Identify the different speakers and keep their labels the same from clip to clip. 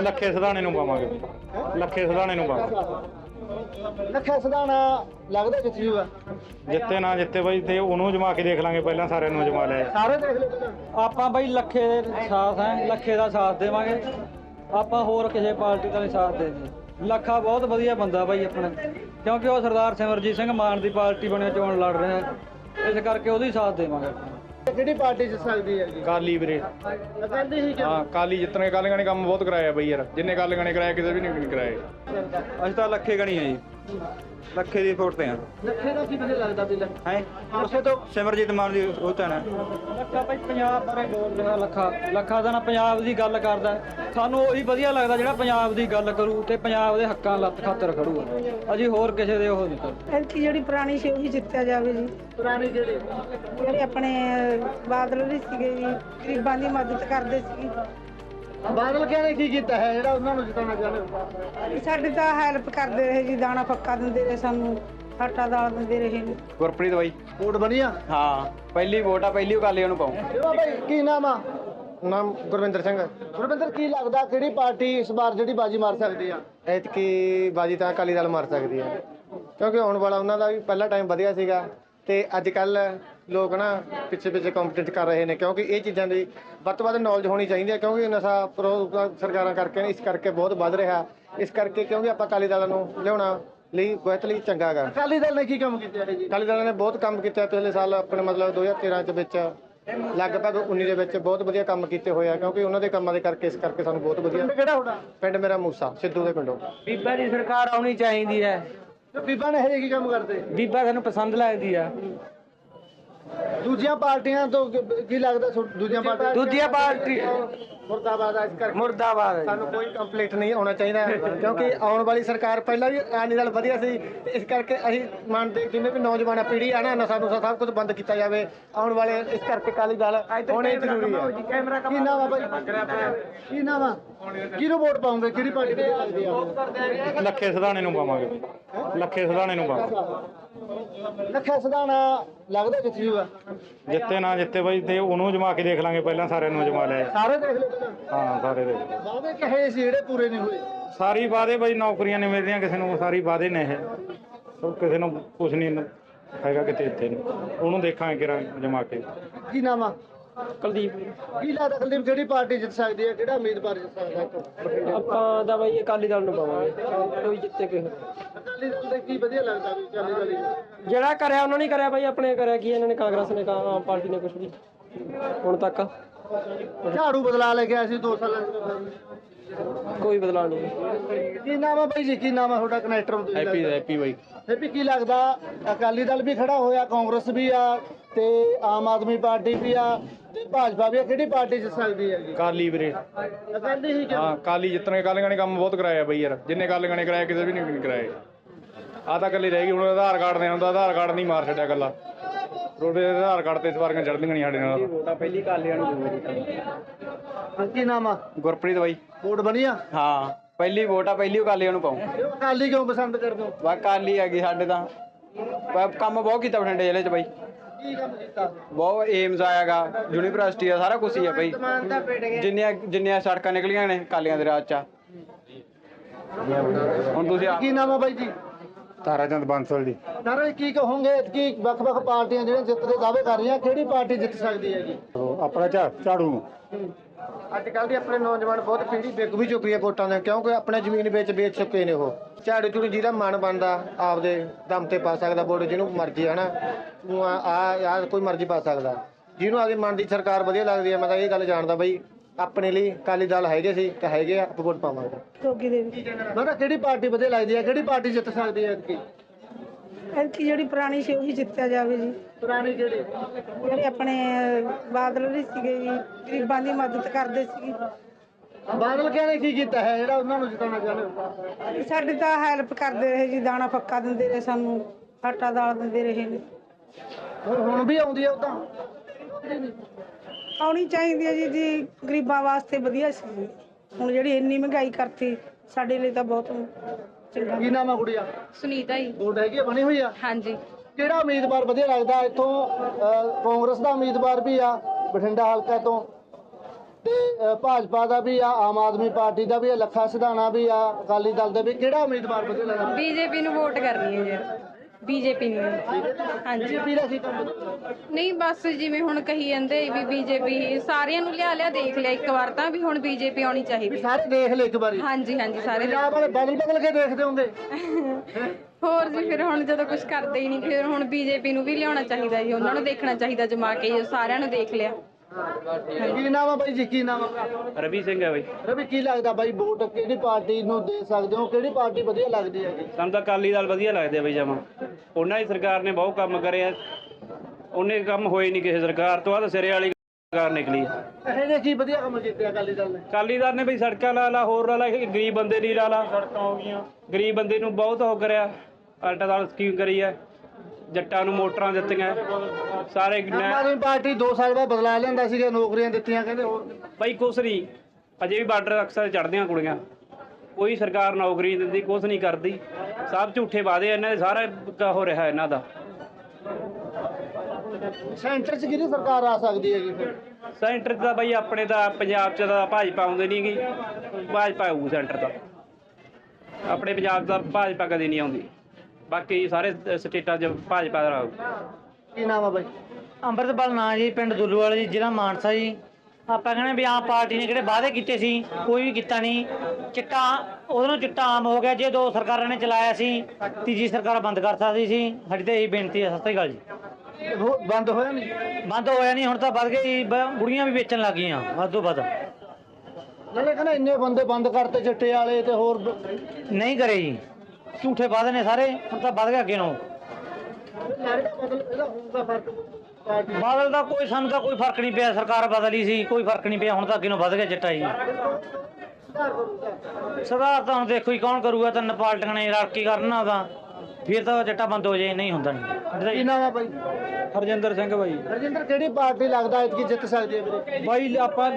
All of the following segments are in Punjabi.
Speaker 1: ਲੱਖੇ ਸਿਧਾਣੇ ਨੂੰ ਪਾਵਾਂਗੇ। ਲੱਖੇ ਸਿਧਾਣੇ ਨੂੰ ਪਾਵਾਂਗੇ।
Speaker 2: ਲੱਖਾ ਸਿਧਾਣਾ ਲੱਗਦਾ ਜਿੱਤ ਜੂਗਾ।
Speaker 1: ਜਿੱਤੇ ਨਾ ਜਿੱਤੇ ਬਾਈ ਤੇ ਉਹਨੂੰ ਜਮਾ ਕੇ ਦੇਖ ਲਾਂਗੇ, ਪਹਿਲਾਂ ਸਾਰਿਆਂ ਨੂੰ ਜਮਾ ਲਿਆ।
Speaker 2: ਸਾਰੇ ਦੇਖ ਲਓ ਪਹਿਲਾਂ।
Speaker 3: ਆਪਾਂ ਬਾਈ ਲੱਖੇ ਦੇ ਸਾਥ ਹੈ, ਲੱਖੇ ਦਾ ਸਾਥ ਦੇਵਾਂਗੇ ਆਪਾਂ, ਹੋਰ ਕਿਸੇ ਪਾਰਟੀ ਦਾ ਨਹੀਂ ਸਾਥ ਦੇਣੀ। ਲੱਖਾ ਬਹੁਤ ਵਧੀਆ ਬੰਦਾ ਬਾਈ ਆਪਣਾ, ਕਿਉਂਕਿ ਉਹ ਸਰਦਾਰ ਸਿਮਰਜੀਤ ਸਿੰਘ ਮਾਨ ਦੀ ਪਾਰਟੀ ਬਣਿਆ ਚੋਣ ਲੜ ਰਿਹਾ, ਇਸ ਕਰਕੇ ਉਹਦਾ ਹੀ ਸਾਥ ਦੇਵਾਂਗੇ ਆਪਾਂ।
Speaker 2: ਕਿਹੜੀ ਪਾਰਟੀ ਜਿੱਤ ਸਕਦੀ ਹੈ ਜੀ?
Speaker 1: ਕਾਲੀ ਵੀਰੇ।
Speaker 2: ਅਕਾਲੀ ਹੀ ਕਿਉਂ?
Speaker 1: ਹਾਂ ਕਾਲੀ ਜਿੱਤਣੇ। ਕਾਲੀਆਂ ਨੇ ਕੰਮ ਬਹੁਤ ਕਰਾਇਆ ਬਈ ਯਾਰ, ਜਿੰਨੇ ਕਾਲੀਆਂ ਨੇ ਕਰਾਇਆ ਕਿਸੇ ਵੀ ਨਹੀਂ ਕਰਾਏ।
Speaker 3: ਅਸੀਂ ਤਾਂ ਲੱਖੇ ਗਣੀ ਹੈ ਜੀ, ਲੱਖੇ ਦੀ ਵੋਟ ਤੇ ਆ।
Speaker 2: ਲੱਖੇ ਦਾ ਕੀ ਵਧੀਆ ਲੱਗਦਾ ਵੀ
Speaker 3: ਹੈ
Speaker 2: ਉਸੇ ਤੋਂ
Speaker 3: ਸਿਮਰਜੀਤ ਮਾਨ ਦੀ ਉਹ ਤਾਂ ਲੱਖਾ ਭਾਈ ਪੰਜਾਬ ਬਾਰੇ ਬੋਲ ਰਿਹਾ। ਲੱਖਾ ਦਾ ਨਾ ਪੰਜਾਬ ਦੀ ਗੱਲ ਕਰਦਾ, ਸਾਨੂੰ ਉਹੀ ਵਧੀਆ ਲੱਗਦਾ ਜਿਹੜਾ ਪੰਜਾਬ ਦੀ ਗੱਲ ਕਰੂ ਤੇ ਪੰਜਾਬ ਦੇ ਹੱਕਾਂ ਲੱਤ ਖਾਤਰ ਖੜੂਗਾ। ਅਸੀਂ ਹੋਰ ਕਿਸੇ ਦੇ ਉਹ ਨਹੀਂ ਕਰਦੇ।
Speaker 4: ਐਤਕੀ ਜਿਹੜੀ ਪੁਰਾਣੀ ਸੀ ਉਹੀ ਜਿੱਤਿਆ ਜਾਵੇ ਜੀ।
Speaker 2: ਪੁਰਾਣੀ ਜਿਹੜੇ
Speaker 4: ਜਿਹੜੇ ਆਪਣੇ ਬਾਦਲ ਵੀ ਸੀਗੇ ਜੀ, ਗਰੀਬਾਂ ਦੀ ਮਦਦ ਕਰਦੇ ਸੀ।
Speaker 2: ਬਾਦਲ ਕਹਿੰਦੇ ਕੀ ਕੀਤਾ ਹੈ ਜਿਹੜਾ ਉਹਨਾਂ ਨੂੰ ਜਿਤਾਉਣਾ ਚਾਹੁੰਦੇ ਹੋ?
Speaker 4: ਸਾਡੇ ਤਾਂ ਹੈਲਪ ਕਰਦੇ ਰਹੇ ਜੀ, ਦਾਣਾ ਪੱਕਾ ਦਿੰਦੇ ਰਹੇ ਸਾਨੂੰ, ਆਟਾ ਦਾਲ ਦਿੰਦੇ ਰਹੇ ਨੇ।
Speaker 3: ਗੁਰਪ੍ਰੀਤ ਬਾਈ।
Speaker 2: ਵੋਟ ਬਣੀ ਆ?
Speaker 3: ਹਾਂ ਪਹਿਲੀ ਵੋਟ ਆ, ਪਹਿਲੀ ਅਕਾਲੀਆਂ ਨੂੰ ਪਾਉ।
Speaker 2: ਭਾਈ ਕੀ ਨਾਮ ਆ?
Speaker 5: ਨਾਮ ਗੁਰਵਿੰਦਰ ਸਿੰਘ।
Speaker 2: ਗੁਰਵਿੰਦਰ ਕੀ ਲੱਗਦਾ ਕਿਹੜੀ ਪਾਰਟੀ ਇਸ ਵਾਰ ਜਿਹੜੀ ਬਾਜੀ ਮਾਰ ਸਕਦੀ ਆ?
Speaker 5: ਐਤਕੀ ਬਾਜੀ ਤਾਂ ਅਕਾਲੀ ਦਲ ਮਾਰ ਸਕਦੀ ਹੈ, ਕਿਉਂਕਿ ਆਉਣ ਵਾਲਾ ਉਹਨਾਂ ਦਾ ਵੀ ਪਹਿਲਾ ਟਾਈਮ ਵਧੀਆ ਸੀਗਾ ਤੇ ਅੱਜ ਕੱਲ ਲੋਕ ਨਾ ਪਿੱਛੇ ਕੰਪੀਟੀਟ ਕਰ ਰਹੇ ਨੇ, ਕਿਉਂਕਿ ਇਹ ਚੀਜ਼ਾਂ ਦੀ ਵੱਧ ਤੋਂ ਵੱਧ ਨੌਲੇਜ ਹੋਣੀ ਚਾਹੀਦੀ ਹੈ, ਕਿਉਂਕਿ ਨਸ਼ਾ ਸਰਕਾਰਾਂ ਕਰਕੇ ਇਸ ਕਰਕੇ ਬਹੁਤ ਵੱਧ ਰਿਹਾ। ਇਸ ਕਰਕੇ ਕਿਉਂਕਿ ਆਪਾਂ ਅਕਾਲੀ ਦਲ ਨੂੰ ਲਿਆਉਣਾ ਲਈ ਬਹੁਤ ਲਈ ਚੰਗਾ ਹੈਗਾ।
Speaker 2: ਅਕਾਲੀ ਦਲ ਨੇ ਕੀ ਕੰਮ ਕੀਤਾ ਹੈ ਜੀ?
Speaker 5: ਅਕਾਲੀ ਦਲ ਨੇ ਬਹੁਤ ਕੰਮ ਕੀਤਾ ਪਿਛਲੇ ਸਾਲ, ਆਪਣੇ ਮਤਲਬ 2013 ਦੇ ਵਿੱਚ ਲਗਭਗ 19 ਦੇ ਵਿੱਚ ਬਹੁਤ ਵਧੀਆ ਕੰਮ ਕੀਤੇ ਹੋਏ ਆ, ਕਿਉਂਕਿ ਉਹਨਾਂ ਦੇ ਕੰਮਾਂ ਦੇ ਕਰਕੇ ਇਸ ਕਰਕੇ ਸਾਨੂੰ ਬਹੁਤ ਵਧੀਆ।
Speaker 2: ਕਿਹੜਾ ਹੋਣਾ?
Speaker 5: ਪਿੰਡ ਮੇਰਾ ਮੂਸਾ ਸਿੱਧੂ ਦੇ ਪਿੰਡੋਂ।
Speaker 3: ਬੀਬਾ ਦੀ ਸਰਕਾਰ ਆਉਣੀ ਚਾਹੀਦੀ ਹੈ।
Speaker 2: ਬੀਬਾ ਨੇ ਹਜੇ ਕੀ ਕੰਮ ਕਰਦੇ?
Speaker 3: ਬੀਬਾ ਸਾਨੂੰ ਪਸੰਦ ਲੱਗਦੀ ਆ।
Speaker 2: ਦੂਜੀਆਂ ਪਾਰਟੀਆਂ ਤੋਂ ਕੀ ਲੱਗਦਾ? ਦੂਜੀਆਂ
Speaker 3: ਪਾਰਟੀ
Speaker 5: ਮੁਰਦਾਬਾਦ ਆ। ਇਸ ਕਰਕੇ
Speaker 3: ਮੁਰਦਾਬਾਦ।
Speaker 5: ਸਾਨੂੰ ਕੋਈ ਕੰਪਲੀਟ ਨਹੀਂ ਆਉਣਾ ਚਾਹੀਦਾ, ਕਿਉਂਕਿ ਆਉਣ ਵਾਲੀ ਸਰਕਾਰ ਪਹਿਲਾਂ ਵੀ ਅਕਾਲੀ ਦਲ ਵਧੀਆ ਸੀ ਤੇ ਇਸ ਕਰਕੇ ਅਸੀਂ ਮੰਨਦੇ ਜਿਵੇਂ ਵੀ ਨੌਜਵਾਨ ਪੀੜ੍ਹੀ ਆ ਨਾ, ਨਸ਼ਾ ਨੁਸ਼ਾ ਸਭ ਕੁਝ ਬੰਦ ਕੀਤਾ ਜਾਵੇ ਆਉਣ ਵਾਲੇ। ਇਸ ਕਰਕੇ ਅਕਾਲੀ ਦਲ ਹੋਣੇ ਜ਼ਰੂਰੀ ਹੈ।
Speaker 2: ਕੀ ਨਾਮ ਆ ਬਾਈ? ਕੀ ਨਾਮ ਆ? ਕਿਹਨੂੰ ਵੋਟ ਪਾਉਂਗੇ? ਕਿਹੜੀ ਪਾਰਟੀ ਵਧੀਆ ਲੱਗਦੀ ਆ?
Speaker 1: ਲੱਖੇ ਸਿਧਾਣੇ ਨੂੰ ਪਾਵਾਂਗੇ। ਲੱਖੇ ਸਿਧਾਣੇ ਨੂੰ ਪਾਵਾਂਗੇ।
Speaker 2: ਲੱਖਾ ਸਿਧਾਣਾ ਲੱਗਦਾ ਜਿੱਤ ਜੂਗਾ।
Speaker 1: ਜਿੱਤੇ ਨਾ ਜਿੱਤੇ ਬਾਈ ਤੇ ਉਹਨੂੰ ਜਮਾ ਕੇ ਦੇਖ ਲਾਂਗੇ, ਪਹਿਲਾਂ ਸਾਰਿਆਂ ਨੂੰ ਜਮਾ ਲਿਆ।
Speaker 2: ਸਾਰੇ ਦੇਖ ਲਓ ਪਹਿਲਾਂ।
Speaker 1: ਹਾਂ ਸਾਰੇ ਦੇ
Speaker 2: ਵਾਅਦੇ ਕਹੇ ਸੀ ਜਿਹੜੇ ਪੂਰੇ ਨਹੀਂ ਹੋਏ।
Speaker 1: ਸਾਰੀ ਵਾਅਦੇ ਬਾਈ, ਨੌਕਰੀਆਂ ਨਹੀਂ ਮਿਲ ਰਹੀਆਂ ਕਿਸੇ ਨੂੰ, ਸਾਰੀ ਵਾਅਦੇ ਨੇ ਇਹ। ਕਿਸੇ ਨੂੰ ਕੁਝ ਨਹੀਂ ਹੈਗਾ ਕਿਤੇ ਇੱਥੇ ਨੂੰ, ਉਹਨੂੰ ਦੇਖਾਂਗੇ ਕਿਰਾਂ ਜਮਾ ਕੇ।
Speaker 2: ਕੀ ਨਾਮ ਆ?
Speaker 3: ਕੁਲਦੀਪ।
Speaker 2: ਕੀ ਲੱਗਦਾ ਕੁਲਦੀਪ ਕਿਹੜੀ ਪਾਰਟੀ ਜਿੱਤ ਸਕਦੀ ਹੈ? ਕਿਹੜਾ ਉਮੀਦਵਾਰ ਜਿੱਤ ਸਕਦਾ?
Speaker 3: ਆਪਾਂ ਤਾਂ ਬਾਈ ਅਕਾਲੀ ਦਲ ਨੂੰ ਪਾਵਾਂਗੇ, ਕੋਈ ਜਿੱਤੇ ਕਿਸੇ।
Speaker 2: ਅਕਾਲੀ ਦਲ ਦਾ ਕੀ ਵਧੀਆ ਲੱਗਦਾ ਵੀ ਅਕਾਲੀ ਦਲ ਹੀ?
Speaker 3: ਜਿਹੜਾ ਕਰਿਆ ਉਹਨਾਂ ਨੇ ਕਰਿਆ ਬਾਈ, ਆਪਣੇ ਕਰਿਆ ਕੀ ਇਹਨਾਂ ਨੇ, ਕਾਂਗਰਸ ਨੇ, ਆਮ ਪਾਰਟੀ ਨੇ ਕੁਝ ਵੀ ਹੁਣ ਤੱਕ
Speaker 2: ਝਾੜੂ ਬਦਲਾ ਲੈ ਕੇ ਆਇਆ ਸੀ 2 ਸਾਲਾਂ ਚ।
Speaker 3: ਕੋਈ ਬਦਲਾਅ ਨਹੀਂ।
Speaker 2: ਕੀ ਨਾਮ ਆ ਬਾਈ ਜੀ? ਕੀ ਨਾਮ ਆ ਤੁਹਾਡਾ? ਕਨੈਕਟਰ
Speaker 1: ਹੈਪੀ ਬਾਈ।
Speaker 2: ਹੈਪੀ ਕੀ ਲੱਗਦਾ ਅਕਾਲੀ ਦਲ ਵੀ ਖੜਾ ਹੋਇਆ, ਕਾਂਗਰਸ ਵੀ ਆ ਤੇ ਆਮ ਆਦਮੀ ਪਾਰਟੀ ਵੀ ਆ ਤੇ ਭਾਜਪਾ ਵੀ ਆ, ਕਿਹੜੀ ਪਾਰਟੀ ਜਿੱਤ ਸਕਦੀ ਹੈ ਜੀ?
Speaker 1: ਕਾਲੀ ਵੀਰੇ।
Speaker 2: ਅਕਾਲੀ ਹੀ ਕਿਉਂ?
Speaker 1: ਹਾਂ ਕਾਲੀ ਜਿੱਤਣੇ। ਕਾਲੀਆਂ ਨੇ ਕੰਮ ਬਹੁਤ ਕਰਾਇਆ ਬਈ ਯਾਰ, ਜਿੰਨੇ ਕਾਲੀਆਂ ਨੇ ਕਰਾਇਆ ਕਿਸੇ ਵੀ ਨਹੀਂ ਕਰਾਏ। ਆ ਤਾਂ ਇਕੱਲੀ ਰਹਿ ਗਈ ਹੁਣ ਆਧਾਰ ਕਾਰਡ ਨੇ, ਹੁੰਦਾ ਆਧਾਰ ਕਾਰਡ ਨਹੀਂ ਮਾਰ ਛੱਡਿਆ ਇਕੱਲਾ। ਰੋਡੇ ਦੇ ਆਧਾਰ ਕਾਰਡ ਤੇ ਸਵਾਰੀਆਂ ਚੜ੍ਹਦੀਆਂ ਨਹੀਂ ਸਾਡੇ ਨਾਲ।
Speaker 3: ਵੋਟਾਂ ਪਹਿਲੀ ਕਾਲੀਆਂ ਨੂੰ।
Speaker 2: ਕੀ ਨਾਮ ਆ?
Speaker 3: ਗੁਰਪ੍ਰੀਤ ਬਾਈ।
Speaker 2: ਵੋਟ ਬਣੀ ਆ?
Speaker 3: ਹਾਂ ਪਹਿਲੀ ਵੋਟ ਆ, ਪਹਿਲੀ ਅਕਾਲੀਆਂ ਨੂੰ ਪਾਉ।
Speaker 2: ਅਕਾਲੀ ਕਿਉਂ ਪਸੰਦ ਕਰਦੇ ਹੋ?
Speaker 3: ਵਾ ਅਕਾਲੀ ਹੈਗੀ ਸਾਡੇ ਤਾਂ, ਕੰਮ ਬਹੁਤ ਕੀਤਾ ਬਠਿੰਡੇ ਜ਼ਿਲ੍ਹੇ 'ਚ ਬਾਈ।
Speaker 2: ਕੀ ਕੰਮ ਕੀਤਾ?
Speaker 3: ਬਹੁਤ ਏਮਸ ਆਇਆਗਾ, ਯੂਨੀਵਰਸਿਟੀ ਆ, ਸਾਰਾ ਕੁਝ ਹੀ ਆ ਬਾਈ। ਜਿੰਨੀਆਂ ਸੜਕਾਂ ਨਿਕਲੀਆਂ ਨੇ ਕਾਲੀਆਂ ਦੇ ਰਾਜ 'ਚ। ਹੁਣ ਤੁਸੀਂ
Speaker 2: ਕੀ ਨਾਮ ਆ ਬਾਈ ਜੀ?
Speaker 1: ਤਾਰਾਚੰਦ ਬਾਂਸਲ ਜੀ।
Speaker 2: ਨਾਲੇ ਕੀ ਕਹੋਗੇ ਕਿ ਵੱਖ-ਵੱਖ ਪਾਰਟੀਆਂ ਜਿਹੜੀਆਂ ਜਿੱਤ ਦੇ ਦਾਅਵੇ ਕਰ ਰਹੀਆਂ, ਕਿਹੜੀ ਪਾਰਟੀ ਜਿੱਤ ਸਕਦੀ ਹੈ ਜੀ?
Speaker 1: ਆਪਣਾ ਝਾੜੂ।
Speaker 5: ਅੱਜ ਕੱਲ੍ਹ ਦੀ ਆਪਣੇ ਨੌਜਵਾਨ ਬਹੁਤ ਪੀੜ੍ਹੀ ਵਿਕ ਵੀ ਚੁੱਕੀ ਹੈ ਵੋਟਾਂ ਦੇ, ਕਿਉਂਕਿ ਆਪਣੇ ਜ਼ਮੀਨ ਵੇਚ ਚੁੱਕੇ ਨੇ। ਉਹ ਝਾੜੂ ਝੂੜੂ ਜਿਹਦਾ ਮਨ ਬਣਦਾ ਆਪਦੇ ਦਮ ਤੇ ਪਾ ਸਕਦਾ ਵੋਟ, ਜਿਹਨੂੰ ਮਰਜ਼ੀ ਹੈ ਨਾ। ਤੂੰ ਆ ਕੋਈ ਮਰਜ਼ੀ ਪਾ ਸਕਦਾ, ਜਿਹਨੂੰ ਆਪਦੇ ਮਨ ਦੀ ਸਰਕਾਰ ਵਧੀਆ ਲੱਗਦੀ ਹੈ। ਮੈਂ ਤਾਂ ਇਹ ਗੱਲ ਜਾਣਦਾ ਬਈ, ਆਪਣੇ ਲਈ ਅਕਾਲੀ ਦਲ ਹੈਗੇ ਸੀ ਤੇ ਹੈਗੇ ਆ, ਵੋਟ ਪਾਵਾਂਗੇ।
Speaker 4: ਜੋਗੀ ਦੇ ਵੀ
Speaker 2: ਮੈਂ ਕਿਹਾ ਕਿਹੜੀ ਪਾਰਟੀ ਵਧੀਆ ਲੱਗਦੀ ਹੈ? ਕਿਹੜੀ ਪਾਰਟੀ ਜਿੱਤ ਸਕਦੀ ਹੈ ਐਤਕੀ?
Speaker 4: ਐਤਕੀ ਜਿਹੜੀ ਪੁਰਾਣੀ ਸੀ ਉਹੀ ਜਿੱਤਿਆ ਜਾਵੇ ਜੀ।
Speaker 2: ਪੁਰਾਣੀ ਕਿਹੜੀ?
Speaker 4: ਜਿਹੜੇ ਆਪਣੇ ਬਾਦਲ ਵੀ ਸੀਗੇ ਜੀ, ਗਰੀਬਾਂ ਦੀ ਮਦਦ ਕਰਦੇ ਸੀ।
Speaker 2: ਬਾਦਲ ਕਹਿੰਦੇ ਕੀ ਕੀਤਾ ਹੈ ਜਿਹੜਾ ਉਹਨਾਂ ਨੂੰ ਜਿਤਾਉਣਾ ਚਾਹੁੰਦੇ ਹੋ?
Speaker 4: ਸਾਡੇ ਤਾਂ ਹੈਲਪ ਕਰਦੇ ਰਹੇ ਜੀ, ਦਾਣਾ ਪੱਕਾ ਦਿੰਦੇ ਰਹੇ ਸਾਨੂੰ, ਆਟਾ ਦਾਲ ਦਿੰਦੇ ਰਹੇ ਨੇ।
Speaker 2: ਹੁਣ ਵੀ ਆਉਂਦੀ ਹੈ ਉਹ ਤਾਂ?
Speaker 4: ਆਉਣੀ ਚਾਹੀਦੀ ਹੈ ਜੀ ਗਰੀਬਾਂ ਵਾਸਤੇ ਵਧੀਆ ਸੀ ਜੀ। ਹੁਣ ਜਿਹੜੀ ਇੰਨੀ ਮਹਿੰਗਾਈ ਕਰਤੀ ਸਾਡੇ ਲਈ ਤਾਂ ਬਹੁਤ ਚੰਗਾ।
Speaker 2: ਕੀ ਨਾਮ ਆ ਕੁੜੀਆ?
Speaker 6: ਸੁਨੀਤਾ ਜੀ।
Speaker 2: ਵੋਟ ਹੈਗੀ ਆ, ਬਣੀ ਹੋਈ ਆ?
Speaker 6: ਹਾਂਜੀ।
Speaker 2: ਕਿਹੜਾ ਉਮੀਦਵਾਰ ਵਧੀਆ ਲੱਗਦਾ ਇੱਥੋਂ? ਕਾਂਗਰਸ ਦਾ ਉਮੀਦਵਾਰ ਵੀ ਆ ਬਠਿੰਡਾ ਹਲਕਾ ਤੋਂ, ਤੇ ਭਾਜਪਾ ਦਾ ਵੀ ਆ, ਆਮ ਆਦਮੀ ਪਾਰਟੀ ਦਾ ਵੀ ਆ, ਲੱਖਾ ਸਿਧਾਣਾ ਵੀ ਆ, ਅਕਾਲੀ ਦਲ ਦਾ ਵੀ। ਕਿਹੜਾ ਉਮੀਦਵਾਰ ਵਧੀਆ ਲੱਗਦਾ?
Speaker 6: ਬੀਜੇਪੀ ਨੂੰ ਵੋਟ ਕਰਨੀ ਹੈ ਜੀ, ਬੀਜੇਪੀ ਨੂੰ। ਹਾਂਜੀ
Speaker 2: ਬੀਜੇਪੀ ਦਾ ਕੀ ਕੰਮ ਵਧੀਆ?
Speaker 6: ਨਹੀਂ ਬਸ ਜਿਵੇਂ ਹੁਣ ਕਹੀ ਜਾਂਦੇ ਵੀ ਬੀਜੇਪੀ ਸਾਰਿਆਂ ਨੂੰ ਲਿਆ ਦੇਖ ਲਿਆ ਇੱਕ ਵਾਰ ਤਾਂ ਵੀ ਹੁਣ ਬੀਜੇਪੀ ਆਉਣੀ ਚਾਹੀਦੀ।
Speaker 2: ਸਾਰੇ ਦੇਖ ਲੈ ਇੱਕ ਵਾਰੀ।
Speaker 6: ਹਾਂਜੀ ਹਾਂਜੀ ਸਾਰੇ
Speaker 2: ਪੰਜਾਬ ਵਾਲੇ ਬਦਲ ਕੇ ਦੇਖਦੇ ਹੁੰਦੇ।
Speaker 6: ਹੋਰ ਜੀ ਫਿਰ ਹੁਣ ਜਦੋਂ ਕੁਝ ਕਰਦੇ ਹੀ ਨਹੀਂ ਫਿਰ ਹੁਣ ਬੀਜੇਪੀ ਨੂੰ ਵੀ ਲਿਆਉਣਾ ਚਾਹੀਦਾ ਜੀ, ਉਹਨਾਂ ਨੂੰ ਦੇਖਣਾ ਚਾਹੀਦਾ ਜਮਾ ਕੇ ਜੀ, ਸਾਰਿਆਂ ਨੂੰ ਦੇਖ ਲਿਆ।
Speaker 2: ਕੀ ਨਾਮ ਆ ਬਾਈ ਜੀ, ਕੀ ਨਾਮ ਆ?
Speaker 7: ਰਵੀ ਸਿੰਘ ਹੈ ਬਾਈ।
Speaker 2: ਰਵੀ, ਕੀ ਲੱਗਦਾ ਬਾਈ ਵੋਟ ਕਿਹੜੀ ਪਾਰਟੀ ਨੂੰ ਦੇ ਸਕਦੇ ਹੋ? ਕਿਹੜੀ ਪਾਰਟੀ ਵਧੀਆ ਲੱਗਦੀ ਹੈਗੀ?
Speaker 7: ਸਾਨੂੰ ਤਾਂ ਅਕਾਲੀ ਦਲ ਵਧੀਆ ਲੱਗਦੇ ਆ ਬਈ ਜਮਾਂ। ਉਹਨਾਂ ਦੀ ਸਰਕਾਰ ਨੇ ਬਹੁਤ ਕੰਮ ਕਰਿਆ, ਉਹਨੇ ਕੰਮ ਹੋਏ ਨਹੀਂ ਕਿਸੇ ਸਰਕਾਰ ਤੋਂ। ਬਾਅਦ ਸਿਰੇ ਵਾਲੀ ਸਰਕਾਰ ਨਿਕਲੀ।
Speaker 2: ਇਹਨੇ ਕੀ ਵਧੀਆ ਕੰਮ ਕੀਤੇ ਅਕਾਲੀ ਦਲ ਨੇ?
Speaker 7: ਅਕਾਲੀ ਦਲ ਨੇ ਬਈ ਸੜਕਾਂ ਲਾ ਲਾ, ਹੋਰ ਲਾ ਲਾ, ਗਰੀਬ ਬੰਦੇ ਲਈ ਲਾ ਲਾ, ਸੜਕਾਂ ਹੋ ਗਈਆਂ, ਗਰੀਬ ਬੰਦੇ ਨੂੰ ਬਹੁਤ ਉਹ ਕਰਿਆ, ਉਲਟਾ ਦਲ ਸਕੀਮ ਕਰੀ ਹੈ, ਜੱਟਾਂ ਨੂੰ ਮੋਟਰਾਂ ਦਿੱਤੀਆਂ ਸਾਰੇ।
Speaker 2: ਆਮ ਆਦਮੀ ਪਾਰਟੀ 2 ਸਾਲ ਬਾਅਦ ਬਦਲਾ ਲੈਂਦਾ ਸੀਗਾ, ਨੌਕਰੀਆਂ ਦਿੱਤੀਆਂ ਕਹਿੰਦੇ। ਹੋਰ
Speaker 7: ਬਈ ਕੁਛ ਨਹੀਂ, ਅਜੇ ਵੀ ਬਾਰਡਰ ਅਕਸਰ ਚੜ੍ਹਦੀਆਂ ਕੁੜੀਆਂ, ਕੋਈ ਸਰਕਾਰ ਨੌਕਰੀ ਨਹੀਂ ਦਿੰਦੀ, ਕੁਛ ਨਹੀਂ ਕਰਦੀ, ਸਭ ਝੂਠੇ ਵਾਅਦੇ ਇਹਨਾਂ ਦੇ, ਸਾਰਾ ਹੋ ਰਿਹਾ ਇਹਨਾਂ ਦਾ।
Speaker 2: ਸੈਂਟਰ 'ਚ ਕਿਹਦੀ ਸਰਕਾਰ ਆ ਸਕਦੀ ਹੈਗੀ ਫਿਰ?
Speaker 7: ਸੈਂਟਰ ਦਾ ਬਈ ਆਪਣੇ ਤਾਂ ਪੰਜਾਬ 'ਚ ਤਾਂ ਭਾਜਪਾ ਆਉਂਦੇ ਨਹੀਂ ਗੀ, ਭਾਜਪਾ ਆਊ ਸੈਂਟਰ ਦਾ। ਆਪਣੇ ਪੰਜਾਬ ਦਾ ਭਾਜਪਾ ਕਦੇ ਨਹੀਂ ਆਉਂਦੀ, ਬਾਕੀ ਸਾਰੇ ਸਟੇਟਾਂ 'ਚ ਭਾਜਪਾ ਦਾ ਆਊ।
Speaker 2: ਕੀ ਨਾਮ ਆ ਬਾਈ?
Speaker 8: ਅੰਮ੍ਰਿਤਪਾਲ ਨਾਂ ਜੀ, ਪਿੰਡ ਦੁੱਲੂਵਾਲ ਜੀ, ਜ਼ਿਲ੍ਹਾ ਮਾਨਸਾ ਜੀ। ਆਪਾਂ ਕਹਿੰਦੇ ਵੀ ਆਮ ਪਾਰਟੀ ਨੇ ਜਿਹੜੇ ਵਾਅਦੇ ਕੀਤੇ ਸੀ ਕੋਈ ਵੀ ਕੀਤਾ ਨਹੀਂ। ਚਿੱਟਾ ਉਹਦੋਂ ਚਿੱਟਾ ਆਮ ਹੋ ਗਿਆ, ਜੇ 2 ਸਰਕਾਰਾਂ ਨੇ ਚਲਾਇਆ ਸੀ, ਤੀਜੀ ਸਰਕਾਰ ਬੰਦ ਕਰ ਸਕਦੀ ਸੀ। ਸਾਡੀ ਤਾਂ ਇਹੀ ਬੇਨਤੀ ਹੈ। ਸਤਿ ਸ਼੍ਰੀ ਅਕਾਲ ਜੀ।
Speaker 2: ਬੰਦ ਹੋਇਆ ਨਹੀਂ?
Speaker 8: ਬੰਦ ਹੋਇਆ ਨਹੀਂ, ਹੁਣ ਤਾਂ ਵੱਧ ਗਈ, ਬੁੜੀਆਂ ਵੀ ਵੇਚਣ ਲੱਗ ਗਈਆਂ ਵੱਧ ਤੋਂ ਵੱਧ।
Speaker 2: ਨਾਲੇ ਕਹਿੰਦਾ ਇੰਨੇ ਬੰਦੇ ਬੰਦ ਕਰਤੇ ਚਿੱਟੇ ਵਾਲੇ ਤੇ ਹੋਰ।
Speaker 8: ਨਹੀਂ ਕਰੇ ਜੀ, ਝੂਠੇ ਵਾਅਦੇ ਨੇ ਸਾਰੇ, ਹੁਣ ਤਾਂ ਵੱਧ ਗਿਆ ਅੱਗੇ ਨੂੰ।
Speaker 2: ਇਹਦਾ ਹੋਊਗਾ ਫਰਕ ਪਾਰਟੀ?
Speaker 8: ਬਾਦਲ ਦਾ ਕੋਈ, ਸਾਨੂੰ ਤਾਂ ਕੋਈ ਫਰਕ ਨਹੀਂ ਪਿਆ, ਸਰਕਾਰ ਬਦਲੀ ਸੀ, ਕੋਈ ਫਰਕ ਨਹੀਂ ਪਿਆ, ਹੁਣ ਤਾਂ ਅੱਗੇ ਨੂੰ ਵੱਧ ਗਿਆ ਚਿੱਟਾ ਜੀ। ਸੁਧਾਰ ਤਾਂ ਹੁਣ ਦੇਖੋ ਜੀ ਕੌਣ ਕਰੂਗਾ, 3 ਪਾਰਟੀਆਂ ਨੇ ਰਲ ਕੇ ਕਰਨਾ ਤਾਂ ਫਿਰ ਤਾਂ ਚਿੱਟਾ ਬੰਦ ਹੋ ਜਾਏ, ਨਹੀਂ ਹੁੰਦਾ ਨਹੀਂ।
Speaker 2: ਕੀ ਨਾਮ ਆ ਬਾਈ?
Speaker 3: ਹਰਜਿੰਦਰ ਸਿੰਘ ਬਾਈ।
Speaker 2: ਰਜਿੰਦਰ, ਕਿਹੜੀ ਪਾਰਟੀ ਲੱਗਦਾ ਐਤਕੀ ਜਿੱਤ ਸਕਦੀ ਹੈ ਵੀਰੇ?
Speaker 3: ਬਾਈ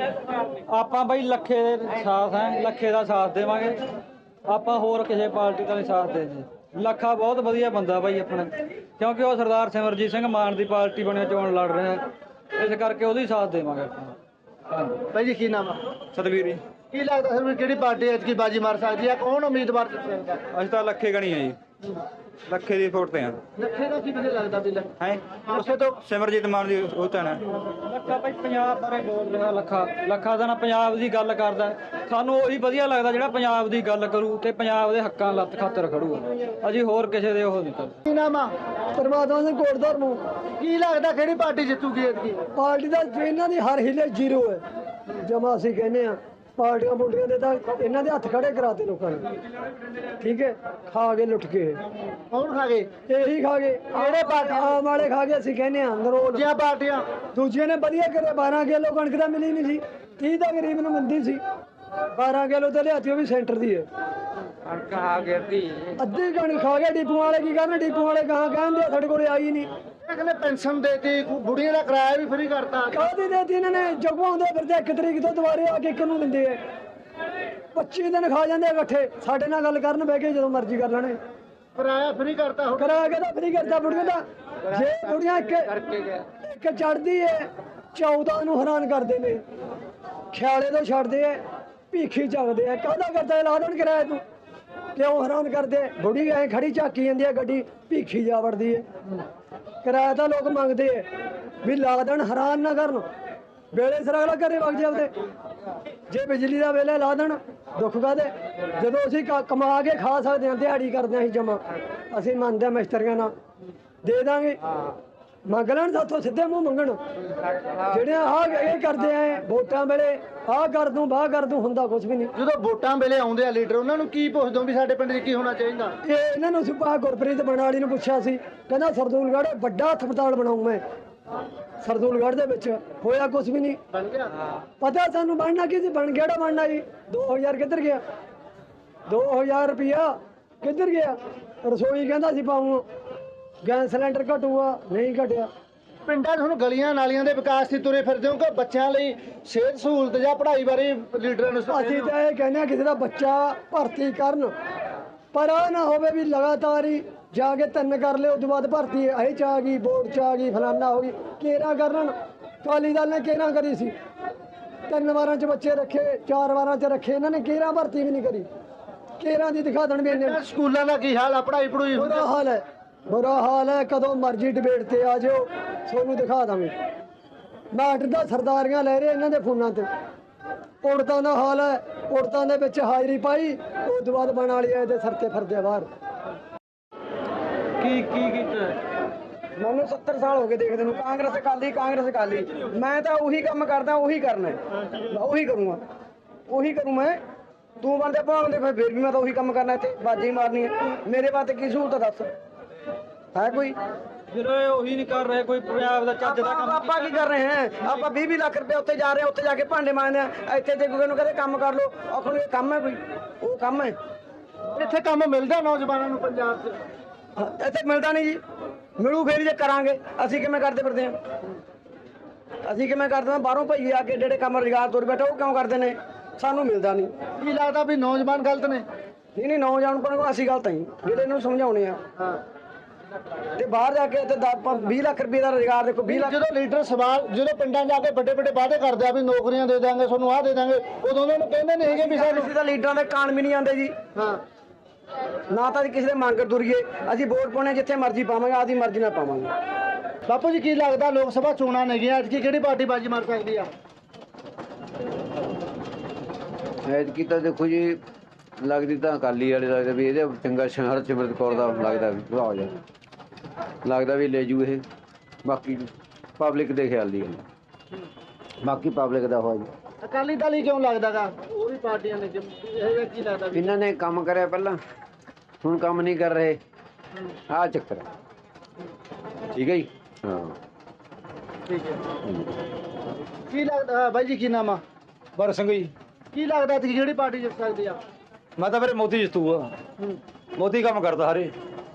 Speaker 3: ਆਪਾਂ ਬਾਈ ਲੱਖੇ ਦੇ ਸਾਥ ਹੈ, ਲੱਖੇ ਦਾ ਸਾਥ ਦੇਵਾਂਗੇ ਆਪਾਂ, ਹੋਰ ਕਿਸੇ ਪਾਰਟੀ ਦਾ ਨਹੀਂ ਸਾਥ ਦੇਦੇ। ਲੱਖਾ ਬਹੁਤ ਵਧੀਆ ਬੰਦਾ ਬਾਈ ਆਪਣਾ, ਕਿਉਂਕਿ ਉਹ ਸਰਦਾਰ ਸਿਮਰਜੀਤ ਸਿੰਘ ਮਾਨ ਦੀ ਪਾਰਟੀ ਬਣਿਆ ਚੋਣ ਲੜ ਰਿਹਾ, ਇਸ ਕਰਕੇ ਉਹਦੀ ਸਾਥ ਦੇਵਾਂਗੇ ਆਪਾਂ।
Speaker 2: ਬਾਈ ਜੀ ਕੀ ਨਾਮ ਆ?
Speaker 3: ਸਤਵੀਰ ਜੀ।
Speaker 2: ਕੀ ਲੱਗਦਾ ਸਰ ਕਿਹੜੀ ਪਾਰਟੀ ਐਤਕੀ ਬਾਜੀ ਮਾਰ ਸਕਦੀ ਹੈ? ਕੌਣ ਉਮੀਦਵਾਰ ਜਿੱਤ ਸਕਦਾ?
Speaker 3: ਅਸੀਂ ਤਾਂ ਲੱਖੇ ਗਣੀ ਆ ਜੀ, ਲੱਖੇ ਦੀ ਵੋਟ ਤੇ ਆ।
Speaker 2: ਲੱਖੇ ਦਾ ਕੀ ਵਧੀਆ ਲੱਗਦਾ ਵੀ?
Speaker 3: ਹੈ
Speaker 2: ਉਸੇ ਤੋਂ
Speaker 3: ਸਿਮਰਜੀਤ ਮਾਨ ਦੀ ਉਹ ਤਾਂ ਨਾ ਲੱਖਾ ਬਾਈ ਪੰਜਾਬ ਬਾਰੇ ਬੋਲ ਰਿਹਾ। ਲੱਖਾ ਦਾ ਨਾ ਪੰਜਾਬ ਦੀ ਗੱਲ ਕਰਦਾ, ਸਾਨੂੰ ਉਹੀ ਵਧੀਆ ਲੱਗਦਾ ਜਿਹੜਾ ਪੰਜਾਬ ਦੀ ਗੱਲ ਕਰੂ ਤੇ ਪੰਜਾਬ ਦੇ ਹੱਕਾਂ ਲੱਤ ਖਾਤਰ ਖੜੂਗਾ। ਅਸੀਂ ਹੋਰ ਕਿਸੇ ਦੇ ਉਹ ਨਹੀਂ ਕਰਦੇ।
Speaker 2: ਕੀ ਨਾਮ ਆ?
Speaker 9: ਪਰਮਾਤਮਾ ਸਿੰਘ ਕੋਟਦਾਰ ਨੂੰ।
Speaker 2: ਕੀ ਲੱਗਦਾ ਕਿਹੜੀ ਪਾਰਟੀ ਜਿੱਤੂਗੀ ਐਤਕੀ?
Speaker 9: ਪਾਰਟੀ ਦਾ ਇਹਨਾਂ ਦੀ ਹਰ ਹਿੱਲੇ 0 ਹੈ ਜਮਾ। ਅਸੀਂ ਕਹਿੰਦੇ ਆ ਪਾਰਟੀਆਂ ਪੁਲਟੀਆਂ ਦੇ ਤਾਂ ਇਹਨਾਂ ਦੇ ਹੱਥ ਖੜੇ ਕਰਾਤੇ ਲੋਕਾਂ ਨੇ, ਠੀਕ ਹੈ। ਖਾ ਕੇ ਲੁੱਟ ਕੇ
Speaker 2: ਕੌਣ ਖਾ ਗਏ?
Speaker 9: ਇਹੀ ਖਾ ਗਏ,
Speaker 2: ਕਿਹੜੇ ਪਾਰਟੀ?
Speaker 9: ਆਮ ਵਾਲੇ ਖਾ ਗਏ। ਅਸੀਂ ਕਹਿੰਦੇ ਆ ਨਰੋਲ
Speaker 2: ਦੂਜੀਆਂ ਪਾਰਟੀਆਂ
Speaker 9: ਦੂਜੀਆਂ ਨੇ ਵਧੀਆ ਕਰੇ। 12 ਕਿਲੋ ਕਣਕ ਤਾਂ ਮਿਲੀ ਨਹੀਂ ਸੀ, 30 ਤਾਂ ਗਰੀਬ ਨੂੰ ਮਿਲਦੀ ਸੀ। 12 ਕਿਲੋ ਤਾਂ ਲਿਆਤੀ, ਉਹ ਵੀ ਸੈਂਟਰ ਦੀ ਹੈ।
Speaker 3: ਕਣਕ ਆ ਗਿਰਦੀ
Speaker 9: ਅੱਧੀ ਕਣਕ ਖਾ ਗਏ। ਡਿਪੂ ਵਾਲੇ ਕੀ ਕਰਨ? ਡਿਪੂ ਵਾਲੇ ਕਹਾਂ ਕਹਿੰਦੇ ਸਾਡੇ ਕੋਲੇ ਆਈ ਨਹੀਂ।
Speaker 2: ਇਹ ਕਹਿੰਦੇ ਪੈਨਸ਼ਨ ਦੇਤੀ, ਬੁੜੀਆਂ ਦਾ ਕਿਰਾਇਆ ਵੀ ਫਰੀ ਕਰਤਾ।
Speaker 9: ਕਾਹਦੀ ਦੇਤੀ ਇਹਨਾਂ ਨੇ? ਜਗਵਾਉਂਦੇ ਫਿਰਦੇ 1 ਤਰੀਕ ਤੋਂ ਦੁਬਾਰੇ ਆ ਕੇ 1 ਨੂੰ ਦਿੰਦੇ ਐ। 25 ਦਿਨ ਖਾ ਜਾਂਦੇ ਇਕੱਠੇ। ਸਾਡੇ ਨਾਲ ਗੱਲ ਕਰਨ ਬਹਿ ਕੇ ਜਦੋਂ ਮਰਜ਼ੀ ਕਰ ਲੈਣੇ।
Speaker 2: ਕਿਰਾਇਆ ਫਰੀ ਕਰਤਾ ਹੁਣ।
Speaker 9: ਕਰਾ ਕੇ ਤਾਂ ਫਰੀ ਕਰਤਾ ਬੁੜੀਆਂ ਦਾ। ਜੇ ਬੁੜੀਆਂ ਇੱਕ ਚੜਦੀ ਐ 14 ਨੂੰ ਹੈਰਾਨ ਕਰਦੇ ਨੇ। ਖਿਆਲੇ ਤੋਂ ਛੱਡਦੇ ਐ, ਭੀਖੀ ਚੱਕਦੇ ਐ। ਕਾਹਦਾ ਕਰਦਾ ਲਾ ਦੇਣ ਕਿਰਾਇਆ ਤੂੰ? ਕਿਉਂ ਹੈਰਾਨ ਕਰਦੇ? ਬੁੜੀ ਐ ਖੜੀ ਝਾਕੀ ਜਾਂਦੀ ਐ, ਗੱਡੀ ਭੀਖੀ ਜਾ ਵੜਦੀ ਐ। ਕਿਰਾਇਆ ਤਾਂ ਲੋਕ ਮੰਗਦੇ ਐ ਵੀ ਲਾ ਦੇਣ, ਹੈਰਾਨ ਨਾ ਕਰਨ। ਵੇਲੇ ਸਿਰ ਅਗਲਾ ਘਰੇ ਵਗ ਜਾਂਦੇ। ਜੇ ਬਿਜਲੀ ਦਾ ਵੇਲੇ ਲਾ ਦੇਣ, ਦੁੱਖ ਕਾਹਦੇ? ਜਦੋਂ ਅਸੀਂ ਕਮਾ ਕੇ ਖਾ ਸਕਦੇ ਹਾਂ, ਦਿਹਾੜੀ ਕਰਦੇ ਹਾਂ ਅਸੀਂ ਜਮਾ, ਅਸੀਂ ਮੰਨਦੇ ਹਾਂ ਮਿਸਤਰੀਆਂ ਨਾਲ ਦੇ ਦਾਂਗੇ। ਮੰਗ ਲੈਣ ਸਾਥੋਂ, ਸਿੱਧੇ ਮੂੰਹ ਮੰਗਣ। ਜਿਹੜੇ ਆਹ ਇਹ ਕਰਦੇ ਆ ਵੋਟਾਂ ਵੇਲੇ ਆਹ ਕਰ ਦੂੰ ਬਾਹ ਕਰ ਦੂੰ, ਹੁੰਦਾ ਕੁਝ ਵੀ ਨਹੀਂ।
Speaker 2: ਜਦੋਂ ਵੋਟਾਂ ਵੇਲੇ ਆਉਂਦੇ ਆ ਲੀਡਰ, ਉਹਨਾਂ ਨੂੰ ਕੀ ਪੁੱਛਦੇ ਹੋ ਵੀ ਸਾਡੇ ਪਿੰਡ 'ਚ ਕੀ ਹੋਣਾ ਚਾਹੀਦਾ?
Speaker 9: ਇਹ ਇਹਨਾਂ ਨੂੰ ਸੁਪਾ ਗੁਰਪ੍ਰੀਤ ਬਣਾਲੀ ਨੂੰ ਪੁੱਛਿਆ ਸੀ, ਕਹਿੰਦਾ ਸਰਦੂਲਗੜ੍ਹ ਵੱਡਾ ਹਸਪਤਾਲ ਬਣਾਉਂ ਮੈਂ। ਸਰਦੂਲਗੜ੍ਹ ਦੇ ਵਿੱਚ ਹੋਇਆ ਕੁਝ ਵੀ ਨਹੀਂ।
Speaker 2: ਬਣ ਗਿਆ
Speaker 9: ਪਤਾ ਸਾਨੂੰ ਬਣਨਾ ਕੀ ਸੀ? ਬਣ ਗਿਆ ਜਿਹੜਾ ਬਣਨਾ ਜੀ। 2000 ਕਿੱਧਰ ਗਿਆ? 2000 ਰੁਪਇਆ ਕਿੱਧਰ ਗਿਆ? ਰਸੋਈ ਕਹਿੰਦਾ ਸੀ ਪਾਉਂ, ਗੈਸ ਸਿਲੰਡਰ ਘਟੂਗਾ, ਨਹੀਂ ਘਟਿਆ।
Speaker 2: ਪਿੰਡਾਂ 'ਚ ਹੁਣ ਗਲੀਆਂ ਨਾਲੀਆਂ ਦੇ ਵਿਕਾਸ ਦੀ ਤੁਰੇ ਫਿਰਦੇ ਹੋ ਕਿ ਬੱਚਿਆਂ ਲਈ ਸਿਹਤ ਸਹੂਲਤ ਜਾਂ ਪੜ੍ਹਾਈ ਬਾਰੇ ਲੀਡਰਾਂ ਨੂੰ?
Speaker 9: ਅਸੀਂ ਤਾਂ ਇਹ ਕਹਿੰਦੇ ਹਾਂ ਕਿਸੇ ਦਾ ਬੱਚਾ ਭਰਤੀ ਕਰਨ, ਪਰ ਆ ਨਾ ਹੋਵੇ ਵੀ ਲਗਾਤਾਰ ਹੀ ਜਾ ਕੇ 3 ਕਰ ਲਿਓ, ਉਸ ਤੋਂ ਬਾਅਦ ਭਰਤੀ ਇਹ 'ਚ ਆ ਗਈ, ਬੋਰਡ 'ਚ ਆ ਗਈ, ਫਲਾਨਾ ਹੋ ਗਈ। ਕੇਰਾ ਕਰਨ, ਅਕਾਲੀ ਦਲ ਨੇ ਕੇਰਾ ਕਰੀ ਸੀ। 3 ਵਾਰਾਂ 'ਚ ਬੱਚੇ ਰੱਖੇ, 4 ਵਾਰਾਂ 'ਚ ਰੱਖੇ, ਇਹਨਾਂ ਨੇ ਕੇਰਾਂ ਭਰਤੀ ਵੀ ਨਹੀਂ ਕਰੀ। ਕੇਰਾਂ ਦੀ ਦਿਖਾ ਦੇਣ ਵੀ ਇੰਨੇ
Speaker 2: ਸਕੂਲਾਂ ਦਾ ਕੀ ਹਾਲ ਆ? ਪੜ੍ਹਾਈ ਪੜੂਈ
Speaker 9: ਬੁਰਾ ਹਾਲ ਹੈ, ਬੁਰਾ ਹਾਲ ਹੈ। ਕਦੋਂ ਮਰਜ਼ੀ ਡਿਬੇਟ ਤੇ ਆ ਜਾਓ, ਤੁਹਾਨੂੰ ਦਿਖਾ ਦਾਂਗੇ। ਨਾਟਕ ਦਾ ਸਰਦਾਰੀਆਂ ਲੈ ਰਹੇ ਇਹਨਾਂ ਦੇ ਫੋਨਾਂ ਤੇ। ਉੜਤਾਂ ਦਾ ਹਾਲ ਹੈ, ਉੜਤਾਂ ਦੇ ਵਿੱਚ ਹਾਜ਼ਰੀ ਪਾਈ, ਉਸ ਤੋਂ ਬਾਅਦ ਬਣ ਵਾਲੀ ਇਹਦੇ ਸਿਰ ਤੇ ਫਿਰਦੇ ਬਾਹਰ।
Speaker 3: ਕੀ ਕੀਤਾ?
Speaker 9: ਮੈਨੂੰ 70 ਸਾਲ ਹੋ ਗਏ ਦੇਖਦੇ ਨੂੰ, ਕਾਂਗਰਸ ਅਕਾਲੀ। ਮੈਂ ਤਾਂ ਉਹੀ ਕੰਮ ਕਰਦਾ, ਉਹੀ ਕਰਨਾ, ਉਹੀ ਕਰੂੰਗਾ, ਉਹੀ ਕਰੂੰ ਮੈਂ। ਤੂੰ ਬੰਦੇ ਭਾਵੇਂ ਫਿਰ ਵੀ ਮੈਂ ਤਾਂ ਉਹੀ ਕੰਮ ਕਰਨਾ, ਇੱਥੇ ਬਾਜੀ ਮਾਰਨੀ ਹੈ। ਮੇਰੇ ਵਾਸਤੇ ਕੀ ਸਹੂਲਤ ਦੱਸ ਹੈ ਕੋਈ?
Speaker 3: ਫਿਰ ਇਹ ਉਹੀ ਨਹੀਂ ਕਰ ਰਹੇ ਕੋਈ ਪੰਜਾਬ ਦਾ ਚੱਜ ਦਾ ਕੰਮ।
Speaker 9: ਆਪਾਂ ਕੀ ਕਰ ਰਹੇ ਹਾਂ? ਆਪਾਂ 20 ਲੱਖ ਰੁਪਏ ਉੱਥੇ ਜਾ ਰਹੇ ਹਾਂ, ਉੱਥੇ ਜਾ ਕੇ ਭਾਂਡੇ ਮਾਂਜਦੇ ਆ। ਇੱਥੇ ਤੇ ਕੋਈ ਨੂੰ ਕਹਿੰਦੇ ਕੰਮ ਕਰ ਲਓ, ਆਖਣ ਇਹ ਕੰਮ ਹੈ ਕੋਈ? ਉਹ ਕੰਮ ਹੈ?
Speaker 2: ਇੱਥੇ ਕੰਮ ਮਿਲਦਾ ਨੌਜਵਾਨਾਂ ਨੂੰ ਪੰਜਾਬ 'ਚ?
Speaker 9: ਇੱਥੇ ਮਿਲਦਾ ਨਹੀਂ ਜੀ। ਮਿਲੂ ਫੇਰ ਜੇ ਕਰਾਂਗੇ। ਅਸੀਂ ਕਿਵੇਂ ਕਰਦੇ ਫਿਰਦੇ ਹਾਂ? ਅਸੀਂ ਕਿਵੇਂ ਕਰਦੇ ਹਾਂ? ਬਾਹਰੋਂ ਭਈ ਆ ਕੇ ਜਿਹੜੇ ਕੰਮ ਰੁਜ਼ਗਾਰ ਤੁਰ ਬੈਠੇ ਉਹ ਕਿਉਂ ਕਰਦੇ ਨੇ? ਸਾਨੂੰ ਮਿਲਦਾ ਨਹੀਂ।
Speaker 2: ਕੀ ਲੱਗਦਾ ਵੀ ਨੌਜਵਾਨ ਗਲਤ ਨੇ?
Speaker 9: ਨਹੀਂ ਨੌਜਵਾਨ ਕੋਲ ਅਸੀਂ ਗਲਤ ਨਹੀਂ, ਜਿਹੜੇ ਇਹਨੂੰ ਸਮਝਾਉਣੇ ਆ। ਤੇ ਬਾਹਰ ਜਾ ਕੇ ਤੇ 20 ਲੱਖ ਰੁਪਏ ਦਾ ਰੁਜ਼ਗਾਰ ਦੇਖੋ। 20 ਲੱਖ
Speaker 2: ਜਦੋਂ ਲੀਡਰ ਸਵਾਲ, ਜਦੋਂ ਪਿੰਡਾਂ ਜਾ ਕੇ ਵੱਡੇ ਵਾਅਦੇ ਕਰਦੇ ਆ ਵੀ ਨੌਕਰੀਆਂ ਦੇ ਦਾਂਗੇ ਤੁਹਾਨੂੰ, ਆਹ ਦੇ ਦਾਂਗੇ, ਉਦੋਂ ਉਹਨਾਂ ਨੂੰ ਕਹਿੰਦੇ ਨਹੀਂ ਹੈਗੇ ਵੀ ਸਾਨੂੰ।
Speaker 9: ਅਸੀਂ ਤਾਂ ਲੀਡਰਾਂ ਦੇ ਕਾਨ ਵੀ ਨਹੀਂ ਆਉਂਦੇ ਜੀ।
Speaker 2: ਹਾਂ,
Speaker 9: ਨਾ ਤਾਂ ਕਿਸੇ ਦੇ ਮੰਗ ਤੁਰੀਏ। ਅਸੀਂ ਵੋਟ ਪਾਉਣੇ ਜਿੱਥੇ ਮਰਜ਼ੀ ਪਾਵਾਂਗੇ, ਆਪਦੀ ਮਰਜ਼ੀ ਨਾਲ ਪਾਵਾਂਗੇ।
Speaker 2: ਬਾਪੂ ਜੀ ਕੀ ਲੱਗਦਾ ਲੋਕ ਸਭਾ ਚੋਣਾਂ ਨੇਗੀਆਂ, ਅੱਜ ਕਿਹੜੀ ਪਾਰਟੀ ਬਾਜੀ ਮਾਰ ਸਕਦੀ ਆ?
Speaker 10: ਐਤਕੀ ਤਾਂ ਦੇਖੋ ਜੀ, ਲੱਗਦੀ ਤਾਂ ਅਕਾਲੀ ਵਾਲੇ ਲੱਗਦਾ ਵੀ ਇਹਦੇ ਚੰਗਾ ਹਰਸਿਮਰਤ ਕੌਰ ਦਾ ਲੱਗਦਾ ਵੀ ਸੁਭਾਅ ਜਾ, ਲੱਗਦਾ ਵੀ ਲੈ ਜੂ ਇਹ। ਬਾਕੀ ਪਬਲਿਕ ਦੇ ਖਿਆਲ ਦੀ ਗੱਲ, ਬਾਕੀ ਪਬਲਿਕ ਦਾ ਹੋਇਆ ਜੀ।
Speaker 2: ਅਕਾਲੀ ਦਲ ਹੀ ਕਿਉਂ ਲੱਗਦਾਗਾ? ਉਹ ਵੀ ਪਾਰਟੀਆਂ ਨੇ, ਇਹ ਕੀ ਲੱਗਦਾ ਵੀ
Speaker 10: ਇਹਨਾਂ ਨੇ ਕੰਮ ਕਰਿਆ ਪਹਿਲਾਂ, ਹੁਣ ਕੰਮ ਨਹੀਂ ਕਰ ਰਹੇ, ਆਹ ਚੱਕਰ ਹੈ। ਠੀਕ ਹੈ ਜੀ। ਹਾਂ
Speaker 2: ਠੀਕ ਹੈ। ਕੀ ਲੱਗਦਾ ਬਾਈ ਜੀ, ਕੀ ਨਾਮ ਆ?
Speaker 3: ਬਰ ਸਿੰਘ ਜੀ।
Speaker 2: ਕੀ ਲੱਗਦਾ ਕਿ ਕਿਹੜੀ ਪਾਰਟੀ ਜਿੱਤ ਸਕਦੀ ਆ?
Speaker 3: ਮੈਂ ਤਾਂ ਫਿਰ ਮੋਦੀ ਜਿੱਤੂਗਾ। ਮੋਦੀ ਕੰਮ ਕਰਦਾ ਹਰੇ।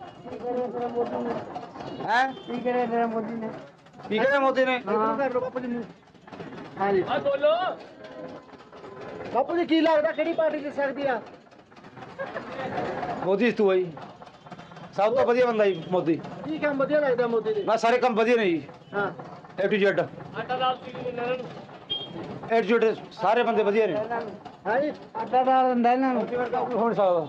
Speaker 2: ਹੈ
Speaker 9: ਕੀ ਕਰੇ ਤੇਰਾ ਮੋਦੀ ਨੇ?
Speaker 3: ਕੀ ਕਹਿੰਦਾ ਮੋਦੀ ਨੇ?
Speaker 2: ਕਰ ਲਓ ਬਾਪੂ ਜੀ ਨੂੰ। ਹਾਂਜੀ ਬੋਲੋ ਬਾਪੂ ਜੀ, ਕੀ ਲੱਗਦਾ ਕਿਹੜੀ ਪਾਰਟੀ ਜਿੱਤ ਸਕਦੀ ਆ?
Speaker 3: ਮੋਦੀ ਜਿੱਤੂਗਾ ਜੀ। ਸਭ ਤੋਂ ਵਧੀਆ ਬੰਦਾ ਜੀ ਮੋਦੀ।
Speaker 2: ਕੀ ਕੰਮ ਵਧੀਆ ਲੱਗਦਾ ਮੋਦੀ ਦੇ?
Speaker 3: ਮੈਂ ਸਾਰੇ ਕੰਮ ਵਧੀਆ ਨੇ ਜੀ।
Speaker 2: ਹਾਂ,
Speaker 3: A to Z। A to Z ਸਾਰੇ ਬੰਦੇ ਵਧੀਆ ਨੇ।
Speaker 2: ਹਾਂਜੀ
Speaker 9: ਆਟਾ ਡਾਲ ਦਿੰਦਾ ਇਹਨਾਂ ਨੂੰ।
Speaker 3: ਹੁਣ ਸਕਦਾ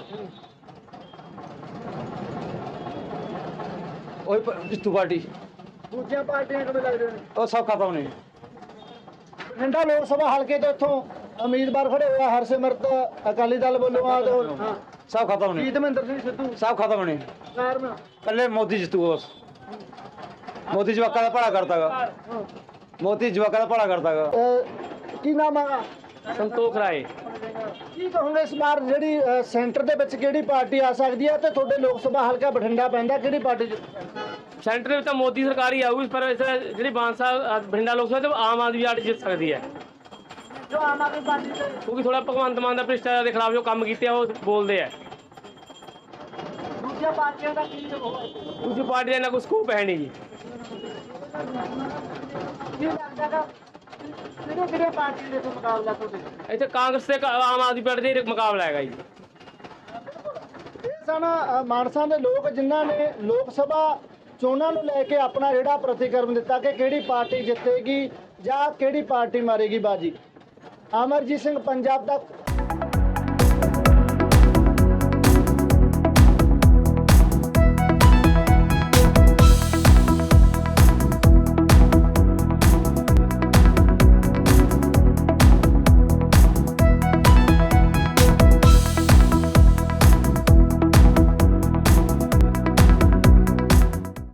Speaker 3: ਉਹ ਜਿੱਤੂ ਪਾਰਟੀ।
Speaker 2: ਦੂਜੀਆਂ ਪਾਰਟੀਆਂ ਕਿਵੇਂ ਲੱਗਦੀਆਂ ਨੇ?
Speaker 3: ਉਹ ਸਭ ਖਤਮ ਨੇ।
Speaker 2: ਬਠਿੰਡਾ ਲੋਕ ਸਭਾ ਹਲਕੇ ਤੋਂ ਇੱਥੋਂ ਉਮੀਦਵਾਰ ਖੜੇ ਹੋਇਆ ਹਰਸਿਮਰਤ ਅਕਾਲੀ ਦਲ ਵੱਲੋਂ ਆ ਤੇ ਹਾਂ
Speaker 3: ਸਭ ਖਤਮ ਨੇ।
Speaker 2: ਜੀਤਮਿੰਦਰ ਸਿੰਘ ਸਿੱਧੂ।
Speaker 3: ਸਭ ਖਤਮ ਨੇ।
Speaker 2: ਕਾਰਨ
Speaker 3: ਕੱਲੇ ਮੋਦੀ ਜਿੱਤੂਗਾ ਬਸ। ਮੋਦੀ ਜਵਾਕਾਂ ਦਾ ਭਲਾ ਕਰਦਾਗਾ। ਮੋਦੀ ਜਵਾਕਾਂ ਦਾ ਭਲਾ ਕਰਦਾਗਾ।
Speaker 2: ਕੀ ਨਾਮ ਆ?
Speaker 7: ਸੰਤੋਖ ਰਾਏ।
Speaker 2: ਕੀ ਕਹੋਗੇ ਇਸ ਵਾਰ ਜਿਹੜੀ ਸੈਂਟਰ ਦੇ ਵਿੱਚ ਕਿਹੜੀ ਪਾਰਟੀ ਆ ਸਕਦੀ ਹੈ ਤੇ ਤੁਹਾਡੇ ਲੋਕ ਸਭਾ ਹਲਕਾ ਬਠਿੰਡਾ ਪੈਂਦਾ, ਕਿਹੜੀ ਪਾਰਟੀ
Speaker 7: ਸੈਂਟਰ ਦੇ ਵਿੱਚ ਤਾਂ ਮੋਦੀ ਸਰਕਾਰ ਹੀ ਆਊਗੀ, ਪਰ ਜਿਹੜੀ ਬਾਂਸਾ ਬਠਿੰਡਾ ਲੋਕ ਸਭਾ ਤੇ ਆਮ ਆਦਮੀ ਪਾਰਟੀ ਜਿੱਤ ਸਕਦੀ ਹੈ।
Speaker 2: ਜੋ ਆਮ ਆਦਮੀ ਪਾਰਟੀ ਦੇ
Speaker 7: ਕਿਉਂਕਿ ਥੋੜਾ ਭਗਵੰਤ ਮਾਨ ਦਾ ਭ੍ਰਿਸ਼ਟਾਚਾਰ ਦੇ ਖਿਲਾਫ ਜੋ ਕੰਮ ਕੀਤੇ ਆ ਉਹ ਬੋਲਦੇ ਆ।
Speaker 2: ਦੂਜੀਆਂ ਪਾਰਟੀਆਂ ਦਾ ਕੀ ਹੋਵੇ?
Speaker 7: ਦੂਜੀ ਪਾਰਟੀ ਦਾ ਇੰਨਾ ਕੋਈ ਸਕੋਪ ਹੈ ਨਹੀਂ ਜੀ।
Speaker 2: ਕੀ ਲੱਗਦਾ ਕਿਹੜੇ ਪਾਰਟੀ ਦੇ ਮੁਕਾਬਲਾ ਤੁਹਾਡੇ?
Speaker 7: ਇੱਥੇ ਕਾਂਗਰਸ ਤੇ ਆਮ ਆਦਮੀ ਪਾਰਟੀ ਦਾ ਮੁਕਾਬਲਾ ਹੈਗਾ ਜੀ।
Speaker 2: ਇਹ ਸਨ ਮਾਨਸਾ ਦੇ ਲੋਕ ਜਿਨ੍ਹਾਂ ਨੇ ਲੋਕ ਸਭਾ ਚੋਣਾਂ ਨੂੰ ਲੈ ਕੇ ਆਪਣਾ ਜਿਹੜਾ ਪ੍ਰਤੀਕਰਮ ਦਿੱਤਾ ਕਿ ਕਿਹੜੀ ਪਾਰਟੀ ਜਿੱਤੇਗੀ ਜਾਂ ਕਿਹੜੀ ਪਾਰਟੀ ਮਾਰੇਗੀ ਬਾਜੀ। ਅਮਰਜੀਤ ਸਿੰਘ, ਪੰਜਾਬ ਤੱਕ।